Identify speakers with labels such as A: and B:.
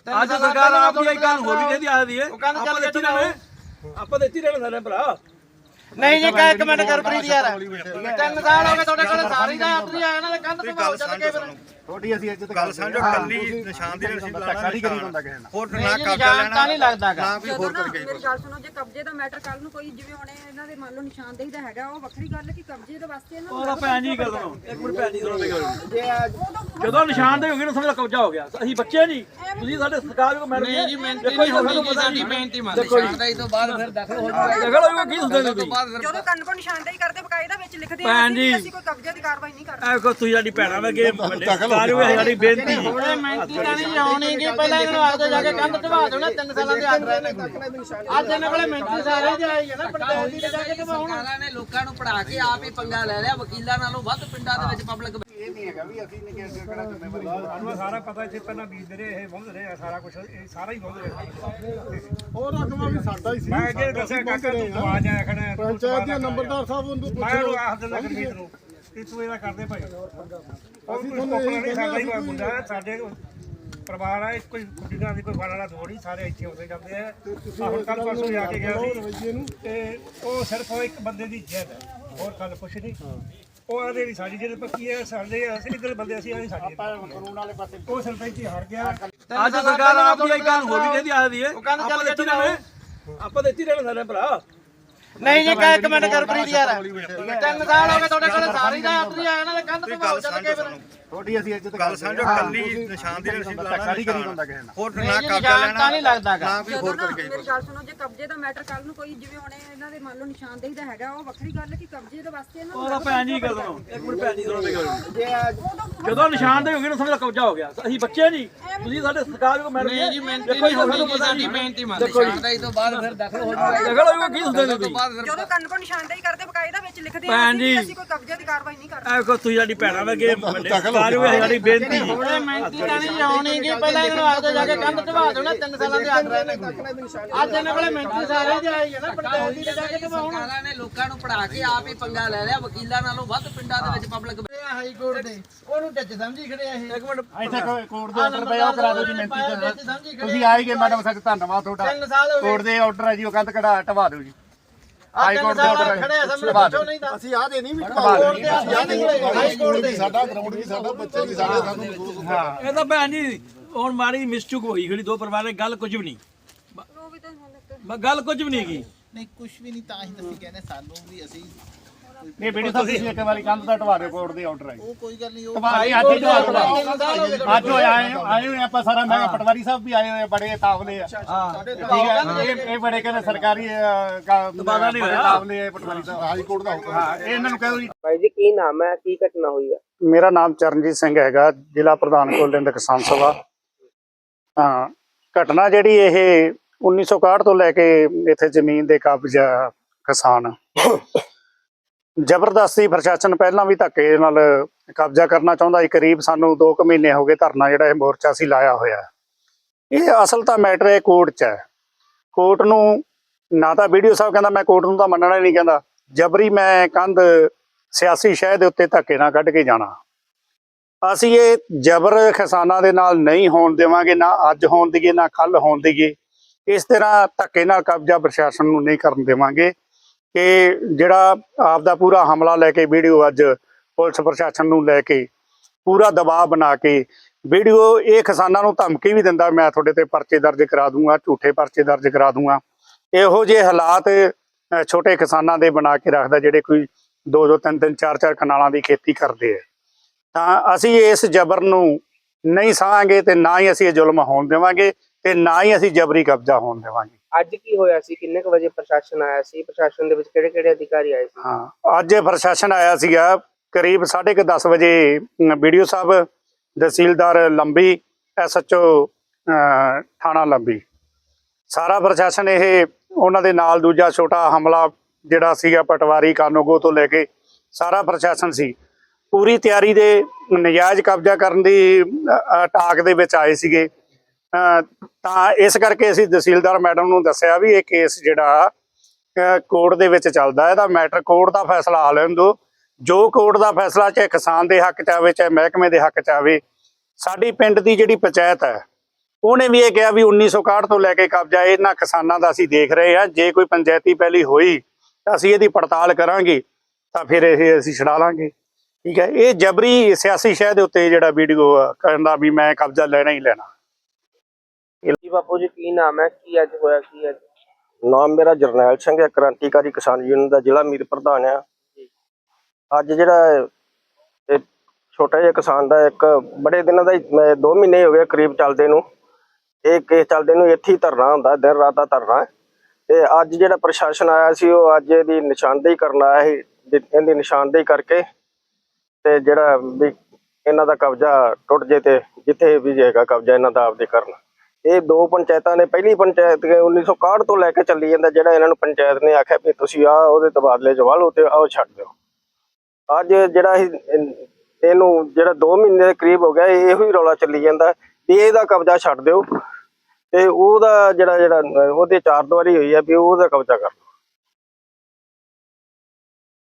A: ਅੱਜ ਸਰਕਾਰ ਆਪ ਦੀ ਗੱਲ ਹੋਰ ਵੀ ਕਹਿੰਦੀ ਆਖਦੀ ਹੈ ਆਪਾਂ ਦਿੱਤੀ ਰਹਿਣਾ ਸਾਡੇ ਭਰਾ
B: ਨਹੀਂ ਜੀ ਕਹਿ ਕਮੈਂਟ ਕਰ ਪ੍ਰੀਤ ਯਾਰ 3 ਸਾਲ ਹੋ ਗਏ ਤੁਹਾਡੇ ਕੋਲ ਸਾਰੀ ਦਾ ਆਤਰੀ ਆਇਆ ਨਾ ਕੰਧ ਤੇ ਭਾਉ ਚੱਲ ਕੇ ਫਿਰ
C: ਥੋੜੀ ਅਸੀਂ ਇੱਜ਼ਤ ਗੱਲ ਸਮਝੋ ਕੱਲੀ ਨਿਸ਼ਾਨ ਦੀ ਰਸੀਦ ਲਾਣਾ ਨਹੀਂ ਕਰੀ ਬੰਦਾ ਕਿਸੇ ਨਾਲ ਹੋਰ ਨਾ
B: ਕਬਜ਼ਾ ਲੈਣਾ ਨਹੀਂ ਲੱਗਦਾਗਾ
C: ਨਾ ਕੋਈ ਹੋਰ ਕਰਕੇ
D: ਮੇਰੀ ਗੱਲ ਸੁਣੋ ਜੇ ਕਬਜ਼ੇ ਦਾ ਮੈਟਰ ਕੱਲ ਨੂੰ ਕੋਈ ਜਿਵੇਂ ਹੁਣ ਇਹਨਾਂ ਦੇ ਮੰਨ ਲਓ ਨਿਸ਼ਾਨਦੇਹੀ ਦਾ ਹੈਗਾ ਉਹ ਵੱਖਰੀ ਗੱਲ ਹੈ ਕਿ ਕਬਜ਼ੇ ਦੇ ਵਾਸਤੇ ਇਹਨਾਂ ਨੂੰ
A: ਉਹਦਾ ਭੈਣ ਜੀ ਗੱਲ ਸੁਣੋ ਇੱਕ ਮਿੰਟ ਭੈਣ ਜੀ ਸੁਣੋ ਮੇਰੀ ਗੱਲ ਜਦੋਂ ਨਿਸ਼ਾਨਦੇਹੀ ਹੋ ਗਈ ਨਾ ਸਮਝ ਲਓ ਕਬਜ਼ਾ ਹੋ ਗਿਆ ਅਸੀਂ ਬੱਚੇ ਨਹੀਂ ਤੁਸੀਂ ਸਾਡੇ ਸਰਕਾਰ ਨੂੰ ਮੈਡਮ
B: ਨਹੀਂ ਜੀ ਮਿਹਨਤੀ ਨਹੀਂ ਹੋਣੀ ਸਾਡੀ ਮਿਹਨਤੀ ਮੰਨ ਨਿਸ਼ਾਨਦੇਹੀ ਤੋਂ ਬਾਅਦ ਫਿਰ ਦਖਲ ਹੋ ਜਾਊਗਾ
A: ਦੇਖੋ ਲੋਕ ਕੀ ਹੁੰਦੇ ਨੇ ਤੁਸੀਂ
D: ਜਦੋਂ ਕੰਨ ਕੋ ਨਿਸ਼ਾਨਦੇਹੀ ਕਰਦੇ ਬਕਾਇਦਾ ਵਿੱਚ ਲਿਖਦੇ
A: ਭੈਣ ਜੀ
D: ਅਸੀਂ ਕੋਈ ਕਬਜ਼ੇ ਦੀ ਕਾਰਵਾਈ ਨਹੀਂ ਕਰਦੇ
A: ਐ ਕੋ ਤੁਸੀਂ ਸਾਡੀ ਭੈਣਾਂ ਵਰਗੇ ਸਰਕਾਰ ਹੋਏ ਸਾਡੀ ਬੇਨਤੀ ਜੀ
B: ਉਹਨੇ ਮਿਹਨਤੀ ਤਾਂ ਨਹੀਂ ਆਉਣੀ ਕਿ ਪਹਿਲਾਂ ਇਹਨੂੰ ਆਖਦੇ ਜਾ ਕੇ ਕੰਧ ਢਵਾ ਦੇਣਾ 3 ਸਾਲਾਂ ਦੇ ਆਰਡਰ ਨੇ ਅੱਜ ਇਹਨਾਂ ਕੋਲੇ ਮਿਹਨਤੀ ਸਾਰੇ ਦੇ ਆਈ ਹੈ ਨਾ ਪੰਚਾਇਤ ਦੀ ਜਾ ਕੇ ਢਵਾਉਣ
E: ਸਰਕਾਰਾਂ ਨੇ ਲੋਕਾਂ ਨੂੰ ਪੜਾ ਕੇ ਆਪ ਹੀ ਪੰਗਾ ਲੈ ਲਿਆ ਵਕੀਲਾਂ ਨਾਲੋਂ ਵੱਧ ਪਿੰਡਾਂ ਦੇ ਵਿੱਚ ਪਬਲਿਕ
C: ਇਹ ਨਹੀਂ ਹੈਗਾ ਵੀ ਅਸੀਂ ਨਹੀਂ ਕਿਸੇ ਕਿਹੜਾ ਜ਼ਿੰਮੇਵਾਰੀ
F: ਸਾਨੂੰ ਸਾਰਾ ਪਤਾ ਇੱਥੇ ਪਹਿਲਾਂ ਬੀਜਦੇ ਰਹੇ ਇਹ ਵਾਹੁੰਦੇ ਰਹੇ ਸਾਰਾ ਕੁਝ ਇਹ ਸਾਰਾ ਹੀ ਵਾਹੁੰਦੇ ਰਹੇ
G: ਉਹ ਰਕਮਾ ਵੀ ਸਾਡਾ ਹੀ ਸੀ
F: ਮੈਂ ਅੱਗੇ ਦੱਸਿਆ ਕਾਕਾ ਤੂੰ ਆਵਾਜ਼ ਆਇਆ ਖੜਾ
G: ਪੰਚਾਇਤ ਦੇ ਨੰਬਰਦਾਰ ਸਾਹਿਬ ਉਹਨੂੰ ਪੁੱਛ
F: ਮੈਂ
G: ਲਓ
F: ਉਹ ਆਖ ਦਿੰਦਾ ਗੁਰਮੀਤ ਨੂੰ ਕਿ ਤੂੰ ਇਹਦਾ ਕਰਦੇ ਭਾਈ ਅਸੀਂ ਤੁਹਾਨੂੰ ਨਹੀਂ ਸਾਡਾ ਹੀ ਕੋਈ ਮੁੰਡਾ ਹੈ, ਸਾਡੇ ਪਰਿਵਾਰ ਆ ਕੋਈ ਕੁੜੀਆਂ ਦੀ ਕੋਈ ਵਾਲਾ ਥੋੜੀ ਸਾਰੇ ਇੱਥੇ ਆਉਂਦੇ ਜਾਂਦੇ ਆ ਹੁਣ ਕੱਲ ਪਰਸੋਂ ਜਾ ਕੇ ਗਿਆ ਸੀ ਤੇ ਉਹ ਸਿਰਫ ਉਹ ਇੱਕ ਬੰਦੇ ਦੀ ਜਿੱਦ ਹੈ ਹੋਰ ਗੱਲ ਕੁਛ ਨਹੀਂ ਉਹ ਆਦੇ ਵੀ ਸਾਡੀ ਜਿਹੜੇ ਪੱਕੀ ਹੈ ਸਾਡੇ ਅਸੀਂ ਨਿਕਲ ਬੰਦੇ ਅਸੀਂ ਆਦੀ ਸਾਡੀ
C: ਕਾਨੂੰਨ ਵਾਲੇ ਪਾਸੇ
F: ਉਹ ਸਰਪੰਚ ਹੀ ਹਾਰ ਗਿਆ
A: ਅੱਜ ਸਰਕਾਰ ਆਪ ਦੀ ਗੱਲ ਹੋਰ ਵੀ ਕਹਿੰਦੀ ਆਖਦੀ ਹੈ ਆਪਾਂ ਦਿੱਤੀ ਰਹਿਣਾ ਸਾਡੇ ਭਰਾ
B: ਨਹੀਂ ਜੀ ਕਹਿ ਕਮੈਂਟ ਕਰ ਪ੍ਰੀਤ ਯਾਰ 3 ਸਾਲ ਹੋ ਗਏ ਤੁਹਾਡੇ ਕੋਲ ਸਾਰੀ ਦਾ ਆਤਰੀ ਆਇਆ ਨਾ ਕੰਧ ਤੇ ਭਾਉ ਚੱਲ ਕੇ ਫਿਰ
C: ਥੋੜੀ ਅਸੀਂ ਇੱਜ਼ਤ ਗੱਲ ਸਮਝੋ ਕੱਲੀ ਨਿਸ਼ਾਨ ਦੀ ਰਸੀਦ ਲਾਣਾ ਨਹੀਂ ਕਰੀ ਬੰਦਾ ਕਿਸੇ ਨਾਲ ਹੋਰ ਨਾ ਕਬਜ਼ਾ
B: ਨਿਸ਼ਾਨ
C: ਲੈਣਾ
B: ਤਾਂ ਨਹੀਂ ਲੱਗਦਾਗਾ
C: ਨਾ ਕੋਈ ਹੋਰ ਕਰਕੇ
D: ਮੇਰੀ ਗੱਲ ਸੁਣੋ ਜੇ ਕਬਜ਼ੇ ਦਾ ਮੈਟਰ ਕੱਲ ਨੂੰ ਕੋਈ ਜਿਵੇਂ ਹੁਣ ਇਹਨਾਂ ਦੇ ਮੰਨ ਲਓ ਨਿਸ਼ਾਨਦੇਹੀ ਦਾ ਹੈਗਾ ਉਹ ਵੱਖਰੀ ਗੱਲ ਹੈ ਕਿ ਕਬਜ਼ੇ ਦੇ ਵਾਸਤੇ ਇਹਨਾਂ
A: ਉਹਦਾ ਭੈਣ ਜੀ ਗੱਲ ਸੁਣੋ ਇੱਕ ਮਿੰਟ ਭੈਣ ਜੀ ਸੁਣੋ ਮੇਰੀ ਗੱਲ ਜਦੋਂ ਨਿਸ਼ਾਨਦੇਹੀ ਹੋ ਗਈ ਨਾ ਸਮਝ ਲਓ ਕਬਜ਼ਾ ਹੋ ਗਿਆ ਅਸੀਂ ਬੱਚੇ ਨਹੀਂ ਤੁਸੀਂ ਸਾਡੇ ਸਰਕਾਰ ਨੂੰ ਮੈਡਮ
B: ਨਹੀਂ ਜੀ ਮਿਹਨਤੀ ਨਹੀਂ ਹੋਣੀ ਸਾਡੀ ਮਿਹਨਤੀ ਮੰਨ ਨਿਸ਼ਾਨਦੇਹੀ ਤੋਂ ਬਾਅਦ ਫਿਰ ਦਖਲ ਹੋ ਜਾਊਗਾ
A: ਦੇਖੋ ਲੋਕ ਕੀ ਹੁੰਦੇ ਨੇ ਤੁਸੀਂ
D: ਜਦੋਂ ਕੰਨ ਕੋ ਨਿਸ਼ਾਨਦੇਹੀ ਕਰਦੇ ਬਕਾਇਦਾ ਵਿੱਚ ਲਿਖਦੇ
A: ਭੈਣ ਜੀ
D: ਅਸੀਂ ਕੋਈ ਕਬਜ਼ੇ ਦੀ ਕਾਰਵਾਈ ਨਹੀਂ ਕਰਦੇ
A: ਐ ਕੋ ਤੁਸੀਂ ਸਾਡੀ ਭੈਣਾਂ ਵਰਗੇ ਸਰਕਾਰ ਹੋਏ ਸਾਡੀ ਬੇਨਤੀ ਜੀ
B: ਉਹਨੇ ਮਿਹਨਤੀ ਤਾਂ ਨਹੀਂ ਆਉਣੀ ਕਿ ਪਹਿਲਾਂ ਇਹਨੂੰ ਆਖਦੇ ਜਾ ਕੇ ਕੰਧ ਢਵਾ ਦੇਣਾ 3 ਸਾਲਾਂ ਦੇ ਆਰਡਰ ਨੇ ਅੱਜ ਇਹਨਾਂ ਕੋਲੇ ਮਿਹਨਤੀ ਸਾਰੇ ਦੇ ਆਈ ਹੈ ਨਾ ਪੰਚਾਇਤ ਦੀ ਜਾ ਕੇ ਢਵਾਉਣ
E: ਸਰਕਾਰਾਂ ਨੇ ਲੋਕਾਂ ਨੂੰ ਪੜਾ ਕੇ ਆਪ ਹੀ ਪੰਗਾ ਲੈ ਲਿਆ ਵਕੀਲਾਂ ਨਾਲੋਂ ਵੱਧ ਪਿੰਡਾਂ ਦੇ ਵਿੱਚ ਪਬਲਿਕ
B: ਹਾਈ ਕੋਰਟ ਦੇ ਉਹਨੂੰ ਟੱਚ ਸਮਝੀ ਖੜੇ ਆ ਇਹ
A: ਇੱਕ ਮਿੰਟ
C: ਇੱਥੇ ਕੋਰਟ ਦੇ ਆਰਡਰ ਪਏ ਉਹ ਕਰਾ ਦਿਓ ਜੀ ਮਿਹਨਤੀ ਤੁਸੀਂ ਆਏ ਗਏ ਮੈਡਮ ਸਾਹਿਬ ਧੰਨਵਾਦ ਤੁਹਾਡਾ
B: 3 ਸਾਲ ਹੋ ਗਏ
C: ਕੋਰਟ ਦੇ ਆਰਡਰ ਹੈ ਜੀ ਉਹ ਕੰਧ ਕਢਾ ਢਵਾ ਦਿਓ ਜੀ
B: ਹਾਈ ਕੋਰਟ ਦੇ ਆਰਡਰ ਖੜੇ ਆ ਸਾਹਮਣੇ ਪੁੱਛੋ ਨਹੀਂ ਤਾਂ
G: ਅਸੀਂ ਆਹ ਦੇ ਨਹੀਂ ਵੀ
B: ਹਾਈ ਕੋਰਟ ਦੇ
G: ਸਾਡਾ ਗਰਾਊਂਡ ਵੀ ਸਾਡਾ ਬੱਚੇ ਵੀ ਸਾਡੇ ਸਾਨੂੰ ਮਹਿਸੂਸ ਹੁੰਦਾ
A: ਇਹ ਤਾਂ ਭੈਣ ਜੀ ਹੁਣ ਮਾੜੀ ਮਿਸਟੇਕ ਹੋਈ ਖੜੀ ਦੋ ਪਰਿਵਾਰ ਨੇ ਗੱਲ ਕੁਝ ਵੀ ਨਹੀਂ
D: ਉਹ ਵੀ ਤਾਂ ਹੁਣ
A: ਗੱਲ ਕੁਝ ਵੀ ਨਹੀਂ ਹੈਗੀ
H: ਨਹੀਂ ਕੁਝ ਵੀ ਨਹੀਂ ਤਾਂ ਹੀ ਅਸੀਂ ਕਹਿੰਦੇ ਸਾਨੂੰ ਵੀ ਅਸੀਂ
C: ਨਹੀਂ ਬੇਟੀ ਸਾਹਿਬ ਤੁਸੀਂ ਇੱਕ ਵਾਰੀ ਕੰਧ ਦਾ ਢਵਾ ਦਿਓ ਕੋਰਟ ਦੇ ਆਰਡਰ ਹੈ
H: ਉਹ ਕੋਈ ਗੱਲ ਨਹੀਂ ਉਹ
C: ਢਵਾ ਲਈ ਅੱਜ ਹੀ ਢਵਾ ਦਿਓ ਅੱਜ ਆਏ ਹੋਏ ਆਪਾਂ ਸਾਰਾ ਮੈਂ ਪਟਵਾਰੀ ਸਾਹਿਬ ਵੀ ਆਏ ਹੋਏ ਆ, ਬੜੇ ਤਾਵਲੇ ਆ ਠੀਕ ਹੈ ਇਹ ਬੜੇ ਕਹਿੰਦੇ ਸਰਕਾਰੀ
A: ਤਬਾਦਲਾ ਨਹੀਂ ਹੋਇਆ।
C: ਤਾਵਲੇ ਆ ਪਟਵਾਰੀ ਸਾਹਿਬ
G: ਹਾਈ ਕੋਰਟ ਦਾ ਹੁਕਮ
C: ਹਾਂ ਇਹ ਇਹਨਾਂ ਨੂੰ ਕਹੋ ਜੀ
E: ਭਾਈ ਜੀ ਕੀ ਨਾਮ ਹੈ ਕੀ ਘਟਨਾ ਹੋਈ ਹੈ
C: ਮੇਰਾ ਨਾਮ ਚਰਨਜੀਤ ਸਿੰਘ ਹੈਗਾ ਜ਼ਿਲ੍ਹਾ ਪ੍ਰਧਾਨ ਕੋਲਿੰਦ ਕਿਸਾਨ ਸਭਾ। ਹਾਂ ਘਟਨਾ ਜਿਹੜੀ ਇਹ 1961 ਤੋਂ ਲੈ ਕੇ ਇੱਥੇ ਜ਼ਮੀਨ ਦੇ ਕਬਜ਼ਾ ਕਿਸਾਨ ਜ਼ਬਰਦਸਤੀ ਪ੍ਰਸ਼ਾਸਨ ਪਹਿਲਾਂ ਵੀ ਧੱਕੇ ਨਾਲ ਕਬਜ਼ਾ ਕਰਨਾ ਚਾਹੁੰਦਾ ਸੀ। ਕਰੀਬ ਸਾਨੂੰ 2 ਮਹੀਨੇ ਹੋ ਗਏ ਧਰਨਾ ਜਿਹੜਾ ਇਹ ਮੋਰਚਾ ਸੀ ਲਾਇਆ ਹੋਇਆ। ਇਹ ਅਸਲ ਤਾਂ ਮੈਟਰ ਇਹ ਕੋਰਟ 'ਚ ਹੈ। ਕੋਰਟ ਨੂੰ ਨਾ ਤਾਂ ਵੀਡੀਓ ਸਾਹਿਬ ਕਹਿੰਦਾ ਮੈਂ ਕੋਰਟ ਨੂੰ ਤਾਂ ਮੰਨਣਾ ਹੀ ਨਹੀਂ, ਕਹਿੰਦਾ ਜਬਰੀ ਮੈਂ ਕੰਧ ਸਿਆਸੀ ਸ਼ਹਿ ਦੇ ਉੱਤੇ ਧੱਕੇ ਨਾਲ ਕੱਢ ਕੇ ਜਾਣਾ। ਅਸੀਂ ਇਹ ਜਬਰ ਕਿਸਾਨਾਂ ਦੇ ਨਾਲ ਨਹੀਂ ਹੋਣ ਦੇਵਾਂਗੇ, ਨਾ ਅੱਜ ਹੋਣ ਦੇਈਏ ਨਾ ਕੱਲ ਹੋਣ ਦੇਈਏ। ਇਸ ਤਰ੍ਹਾਂ ਧੱਕੇ ਨਾਲ ਕਬਜ਼ਾ ਪ੍ਰਸ਼ਾਸਨ ਨੂੰ ਨਹੀਂ ਕਰਨ ਦੇਵਾਂਗੇ ਕਿ ਜਿਹੜਾ ਆਪ ਦਾ ਪੂਰਾ ਹਮਲਾ ਲੈ ਕੇ ਵੀਡੀਓ ਅੱਜ ਪੁਲਿਸ ਪ੍ਰਸ਼ਾਸਨ ਨੂੰ ਲੈ ਕੇ ਪੂਰਾ ਦਬਾਅ ਬਣਾ ਕੇ ਵੀਡੀਓ ਇਹ ਕਿਸਾਨਾਂ ਨੂੰ ਧਮਕੀ ਵੀ ਦਿੰਦਾ ਮੈਂ ਤੁਹਾਡੇ ਤੇ ਪਰਚੇ ਦਰਜ ਕਰਾ ਦੂੰਗਾ, ਝੂਠੇ ਪਰਚੇ ਦਰਜ ਕਰਾ ਦੂੰਗਾ। ਇਹੋ ਜਿਹੇ ਹਾਲਾਤ ਛੋਟੇ ਕਿਸਾਨਾਂ ਦੇ ਬਣਾ ਕੇ ਰੱਖਦਾ ਜਿਹੜੇ ਕੋਈ 2-2 3-3 4-4 ਕਨਾਲਾਂ ਦੀ ਖੇਤੀ ਕਰਦੇ ਆ। ਤਾਂ ਅਸੀਂ ਇਸ ਜ਼ਬਰ ਨੂੰ ਨਹੀਂ ਸਹਾਂਗੇ ਤੇ ਨਾ ਹੀ ਅਸੀਂ ਇਹ ਜ਼ੁਲਮ ਹੋਣ ਦੇਵਾਂਗੇ ਤੇ ਨਾ ਹੀ ਅਸੀਂ ਜਬਰੀ ਕਬਜ਼ਾ ਹੋਣ ਦੇਵਾਂਗੇ।
E: ਅੱਜ ਕੀ ਹੋਇਆ ਸੀ ਕਿੰਨੇ ਕੁ ਵਜੇ ਪ੍ਰਸ਼ਾਸਨ ਆਇਆ ਸੀ ਪ੍ਰਸ਼ਾਸਨ ਦੇ ਵਿੱਚ ਕਿਹੜੇ ਕਿਹੜੇ ਅਧਿਕਾਰੀ ਆਏ ਸੀ
C: ਹਾਂ ਅੱਜ ਪ੍ਰਸ਼ਾਸਨ ਆਇਆ ਸੀਗਾ ਕਰੀਬ 10:30 ਵਜੇ। ਵੀਡੀਓ ਸਾਹਿਬ, ਤਹਿਸੀਲਦਾਰ ਲੰਬੀ, SHO ਥਾਣਾ ਲੰਬੀ, ਸਾਰਾ ਪ੍ਰਸ਼ਾਸਨ ਇਹ ਉਹਨਾਂ ਦੇ ਨਾਲ ਦੂਜਾ ਛੋਟਾ ਹਮਲਾ ਜਿਹੜਾ ਸੀਗਾ ਪਟਵਾਰੀ ਕਾਨੂੰਗੋ ਤੋਂ ਲੈ ਕੇ ਸਾਰਾ ਪ੍ਰਸ਼ਾਸਨ ਸੀ। ਪੂਰੀ ਤਿਆਰੀ ਦੇ ਨਜਾਇਜ਼ ਕਬਜ਼ਾ ਕਰਨ ਦੀ ਟਾਕ ਦੇ ਵਿੱਚ ਆਏ ਸੀਗੇ। ਤਾਂ ਇਸ ਕਰਕੇ ਅਸੀਂ ਤਹਿਸੀਲਦਾਰ ਮੈਡਮ ਨੂੰ ਦੱਸਿਆ ਵੀ ਇਹ ਕੇਸ ਜਿਹੜਾ ਕੋਰਟ ਦੇ ਵਿੱਚ ਚੱਲਦਾ, ਇਹਦਾ ਮੈਟਰ ਕੋਰਟ ਦਾ ਫੈਸਲਾ ਆ ਲੈਣ ਦਿਓ। ਜੋ ਕੋਰਟ ਦਾ ਫੈਸਲਾ ਚਾਹੇ ਕਿਸਾਨ ਦੇ ਹੱਕ ਚ ਆਵੇ ਚਾਹੇ ਮਹਿਕਮੇ ਦੇ ਹੱਕ ਚ ਆਵੇ। ਸਾਡੀ ਪਿੰਡ ਦੀ ਜਿਹੜੀ ਪੰਚਾਇਤ ਹੈ ਉਹਨੇ ਵੀ ਇਹ ਕਿਹਾ ਵੀ 1961 ਤੋਂ ਲੈ ਕੇ ਕਬਜ਼ਾ ਇਹਨਾਂ ਕਿਸਾਨਾਂ ਦਾ ਅਸੀਂ ਦੇਖ ਰਹੇ ਹਾਂ। ਜੇ ਕੋਈ ਪੰਚਾਇਤੀ ਪੈਲੀ ਹੋਈ ਤਾਂ ਅਸੀਂ ਇਹਦੀ ਪੜਤਾਲ ਕਰਾਂਗੇ ਤਾਂ ਫਿਰ ਇਹ ਅਸੀਂ ਛਡਾ ਲਾਂਗੇ। ਠੀਕ ਹੈ, ਇਹ ਜਬਰੀ ਸਿਆਸੀ ਸ਼ਹਿ ਦੇ ਉੱਤੇ ਜਿਹੜਾ ਵੀਡੀਓ ਕਹਿੰਦਾ ਵੀ ਮੈਂ ਕਬਜ਼ਾ ਲੈਣਾ ਹੀ ਲੈਣਾ।
E: ਜੀ ਬਾਪੂ ਜੀ ਕੀ ਨਾਮ ਹੈ, ਕੀ ਅੱਜ ਹੋਇਆ, ਕੀ ਅੱਜ?
I: ਨਾਮ ਮੇਰਾ ਜਰਨੈਲ ਸਿੰਘ ਹੈ, ਕ੍ਰਾਂਤੀਕਾਰੀ ਕਿਸਾਨ ਯੂਨੀਅਨ ਦਾ ਜ਼ਿਲ੍ਹਾ ਮੀਤ ਪ੍ਰਧਾਨ ਆ। ਅੱਜ ਜਿਹੜਾ ਇਹ ਛੋਟਾ ਜਿਹਾ ਕਿਸਾਨ ਦਾ ਇੱਕ ਬੜੇ ਦਿਨਾਂ ਦਾ 2 ਮਹੀਨੇ ਹੋ ਗਏ ਕਰੀਬ ਚੱਲਦੇ ਨੂੰ, ਇਹ ਕੇਸ ਚੱਲਦੇ ਨੂੰ ਇੱਥੇ ਹੀ ਧਰਨਾ ਹੁੰਦਾ, ਦਿਨ ਰਾਤ ਦਾ ਧਰਨਾ। ਤੇ ਅੱਜ ਜਿਹੜਾ ਪ੍ਰਸ਼ਾਸਨ ਆਇਆ ਸੀ ਉਹ ਅੱਜ ਇਹਦੀ ਨਿਸ਼ਾਨਦੇਹੀ ਕਰਨ ਆਇਆ ਸੀ। ਇਹਦੀ ਨਿਸ਼ਾਨਦੇਹੀ ਕਰਕੇ ਤੇ ਜਿਹੜਾ ਵੀ ਇਹਨਾਂ ਦਾ ਕਬਜ਼ਾ ਟੁੱਟ ਜੇ ਤੇ ਜਿੱਥੇ ਵੀ ਹੈਗਾ ਕਬਜ਼ਾ ਇਹਨਾਂ ਦਾ ਆਪਦੇ ਕਰਨ। ਇਹ 2 ਪੰਚਾਇਤਾਂ ਨੇ, ਪਹਿਲੀ ਪੰਚਾਇਤ 1961 ਤੋਂ ਲੈ ਕੇ ਚੱਲੀ ਜਾਂਦਾ, ਜਿਹੜਾ ਇਹਨਾਂ ਨੂੰ ਪੰਚਾਇਤ ਨੇ ਆਖਿਆ ਵੀ ਤੁਸੀਂ ਆ ਉਹਦੇ ਤਬਾਦਲੇ ਚ ਵਾਲੋ ਤੇ ਆਓ ਛੱਡ ਦਿਓ। ਅੱਜ ਜਿਹੜਾ ਇਹਨੂੰ ਜਿਹੜਾ 2 ਮਹੀਨੇ ਦੇ ਕਰੀਬ ਹੋ ਗਿਆ ਇਹੋ ਹੀ ਰੌਲਾ ਚੱਲੀ ਜਾਂਦਾ ਵੀ ਇਹਦਾ ਕਬਜ਼ਾ ਛੱਡ ਦਿਓ ਤੇ ਉਹਦਾ ਜਿਹੜਾ ਉਹਦੇ 4 ਦੀਵਾਰੀ ਹੋਈ ਹੈ ਵੀ ਉਹਦਾ ਕਬਜ਼ਾ ਕਰ ਲਓ।